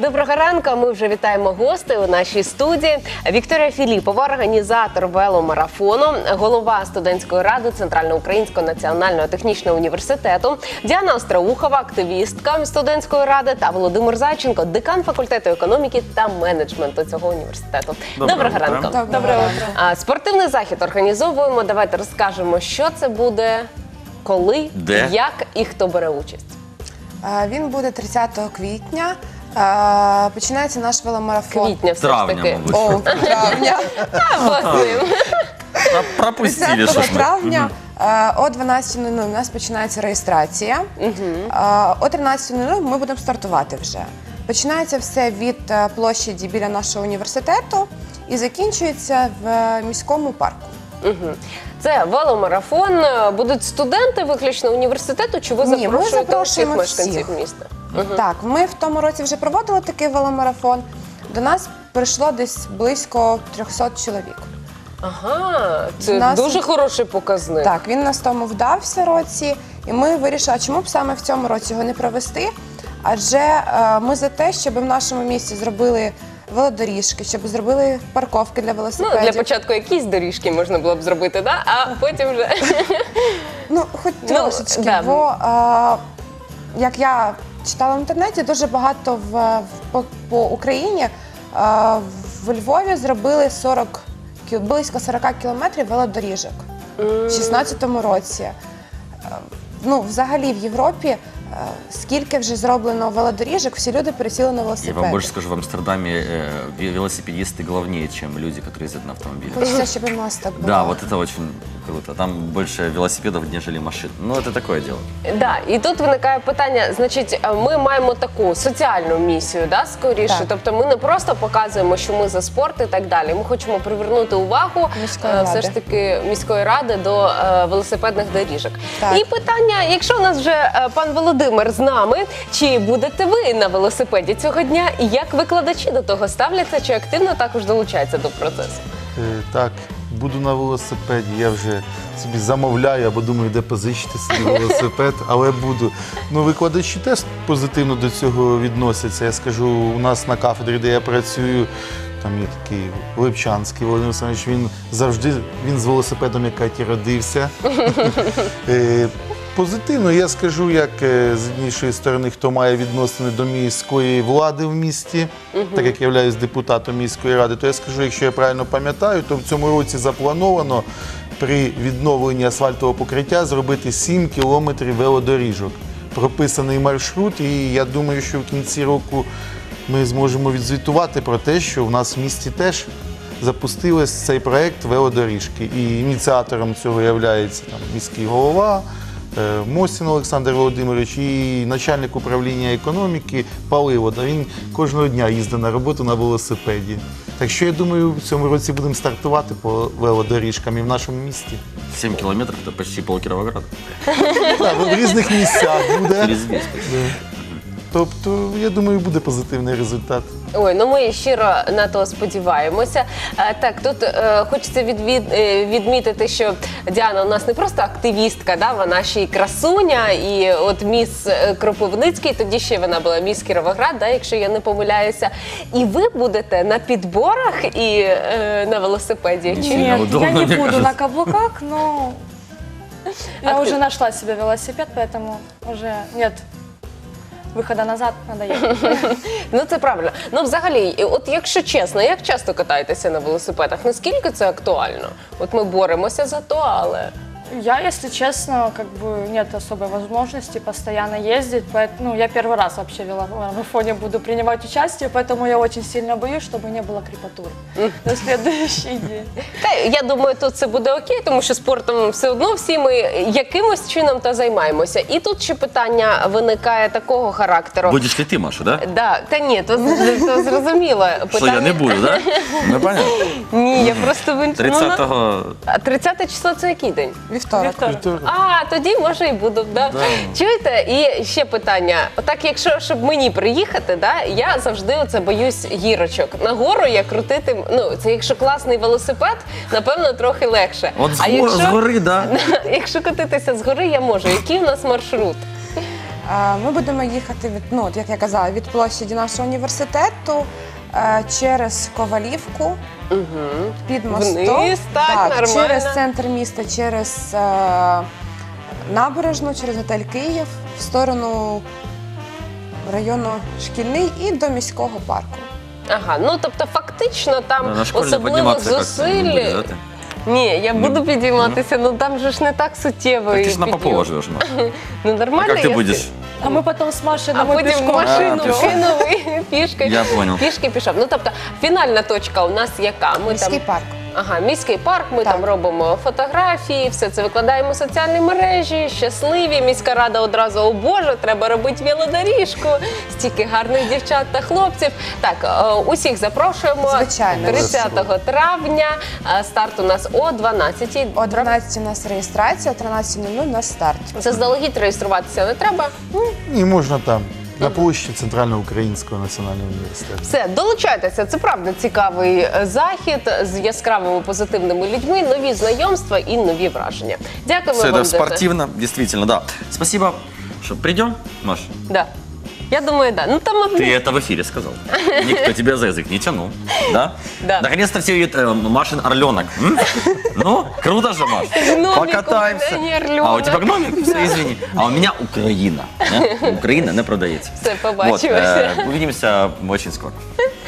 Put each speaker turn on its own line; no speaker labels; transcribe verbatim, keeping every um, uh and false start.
Доброго ранку, ми вже вітаємо гостей у нашій студії. Вікторія Філіпова, організатор веломарафону, голова студентської ради Центральноукраїнського національного технічного університету, Діана Остроухова, активістка студентської ради, та Володимир Зайченко, декан факультету економіки та менеджменту цього університету. Доброго, Доброго ранку.
Доброго, Доброго ранку.
Спортивний захід організовуємо. Давайте розкажемо, що це буде, коли,
Де?
як і хто бере участь.
Він буде тридцятого квітня. Починається наш веломарафон.
Квітня все
Травня,
ж таки.
мабуть.
О, травня.
Пропустили, що
тридцятого
ж ми.
травня о дванадцятій нуль нуль у нас починається реєстрація. О тринадцятій нуль нуль ми будемо стартувати вже. Починається все від площаді біля нашого університету і закінчується в міському парку.
Угу. Це веломарафон. Будуть студенти виключно університету, чи ви
Ні, ми
запрошуєте всіх
запрошуємо
мешканців
всіх.
міста?
Так, ми в тому році вже проводили такий веломарафон. До нас прийшло десь близько трьохсот чоловік.
Ага, це
Нас-
дуже хороший показник.
Так, він нас тому вдався році, і ми вирішили, а чому б саме в цьому році його не провести? Адже е, ми за те, щоб в нашому місті зробили велодоріжки, щоб зробили парковки для
Ну,
велосипедів.
для початку якісь доріжки можна було б зробити, да? А потім вже...
Ну, хоч
Ну,
трошечки,
да.
бо, е, як я читала в інтернеті, дуже багато в, в- по, по Україні, е, в Львові зробили сорок, кі- близько сорок кілометрів велодоріжок в шістнадцятому році. Е, Ну, взагалі в Європі е, скільки вже зроблено велодоріжок, всі люди пересіли на
Я
велосипеди.
вам больше скажу, в Амстердаме э, велосипедисты главнее, чем люди, которые ездят на автомобиле.
Хочеться, щоб і у нас так було.
Да, вот это очень круто. Там больше велосипедов, нежели машин. Ну, это такое дело.
Да, і тут виникає питання, значить, ми маємо таку соціальну місію, да, скоріше,
Так.
тобто ми не просто показуємо, що ми за спорт і так далі, ми хочемо привернути увагу
Міської
е, все
ради.
ж таки міської ради до е, велосипедних доріжок.
Так.
І питання, якщо у нас вже е, пан Володимир з нами, чи будете ви на велосипеді цього дня, і як викладачі до того ставляться, чи активно також долучаються до процесу?
Е, Так, буду на велосипеді. Я вже собі замовляю, або думаю, де позичити собі велосипед, але буду. Ну, викладачі теж позитивно до цього відносяться. Я скажу, у нас на кафедрі, де я працюю, там є такий Липчанський Володимир Олександрович, він завжди, він з велосипедом, як Каті, родився. Е, Позитивно, я скажу, як е, з іншої сторони, хто має відносини до міської влади в місті, так як я являюсь депутатом міської ради, то я скажу, якщо я правильно пам'ятаю, то в цьому році заплановано при відновленні асфальтового покриття зробити сім кілометрів велодоріжок. Прописаний маршрут, і я думаю, що в кінці року ми зможемо відзвітувати про те, що в нас в місті теж запустився цей проект велодоріжки. І ініціатором цього є міський голова е, Мосін Олександр Володимирович і начальник управління економіки Паливо. Да, він кожного дня їздить на роботу на велосипеді. Так що, я думаю, в цьому році будемо стартувати по велодоріжкам і в нашому місті.
семь километров – это почти пол Кировограда.
Так, в різних місцях буде.
Через весь.
Тобто, я думаю, буде позитивний результат.
Ой, ну ми щиро на то сподіваємося. Е, Так, тут е, хочеться відвід, е, відмітити, що Діана у нас не просто активістка, да, вона ще й красуня, і от міс е, Кропивницький, тоді ще вона була міс Кіровоград, да, якщо я не помиляюся. І ви будете на підборах і е, на велосипеді? Чи
Сильно
Нет,
удобно,
я не
мне
буду
кажется.
на каблуках, но я
А
уже
ты-
нашла себе велосипед, поэтому уже нет выхода назад, надо ехать.
Ну, це правильно. Ну, взагалі, і от якщо чесно, як часто катаєтеся на велосипедах? Наскільки це актуально? От ми боремося за то, але...
Я, если честно, как бы нет особой возможности постоянно ездить, поэтому ну, я первый раз вообще в веломарафоне буду принимать участие, поэтому я очень сильно боюсь, чтобы не было крепатуры на следующий день.
Та, я думаю, тут це буде окей, тому що спортом все одно всі ми якимось чином та займаємося. І тут ще питання виникає такого характеру.
Будешь ли ты, Маша, да?
Да, та ні, то, то зрозуміло.
Что, я не буду, да? Ну, понятно.
Ні, я просто в іншому.
тридцятого
А тридцяте число це який день?
Вівторок.
Вівторок.
А, тоді може і буду. Да.
Да.
Чуєте? І ще питання. Отак, якщо щоб мені приїхати, да, я завжди оце боюсь гірочок. Нагору я крутити, ну це якщо класний велосипед, напевно, трохи легше.
Вот с,
а
гор- с горы, да.
якщо котитися з гори, я можу. Який у нас маршрут?
Е, Ми будемо їхати від, ну, от як я казала, від площаді нашого університету е, через Ковалівку, під мостом,
Вниз, так, нормально.
через центр міста, через е, набережну, через готель Київ, в сторону району Шкільний і до міського парку.
Ага, ну тобто фактично там
На школе
особливо
подниматься как-то
зусиль.
не будешь, да, ты?
Ні, я буду підійматися, ну там же ж не так суттєво.
Так
і
ты же на
підйом.
Попова живешь, Маш.
Ну
А
нормально.
как ты
я
будешь?
си-
А мы потом с Машей
А
домой
потім
пешком.
машину
А, пішов.
кинув і пішки.
Я понял.
Пішки пішов. Ну тобто фінальна точка у нас яка? Ми
Міський
там
парк.
Ага, міський парк, ми
Так.
там робимо фотографії, все це викладаємо в соціальні мережі, щасливі. Міська рада одразу, о Боже, треба робити велодоріжку, стільки гарних дівчат та хлопців. Так, е, усіх запрошуємо.
Звичайно.
тридцятого травня, е, старт у нас о дванадцятій.
О дванадцятій у нас реєстрація, о тринадцятій нуль нуль у нас старт.
Заздалегідь реєструватися не треба.
І можна там, на площі Центрально-Українського національного університету.
Все, долучайтеся. Це правда цікавий е, захід з яскравими позитивними людьми, нові знайомства і нові враження. Дякуємо
Все
вам
это
за це.
спортивно, действительно, да. Спасибо, что придем, Маш.
Да. Я думаю, да. Ну там
Ты это в эфире сказал. Никто тебя за язык не тянул. Да?
Да.
Наконец-то все видят э, Машин орленок. М? Ну, круто же, Маш.
Гномик
Покатаемся.
у меня не орленок.
А у тебя гномик? Все, извини. А у меня Украина. Да? Украина не продается.
Все,
Вот,
побачимося.
э, увидимся очень скоро.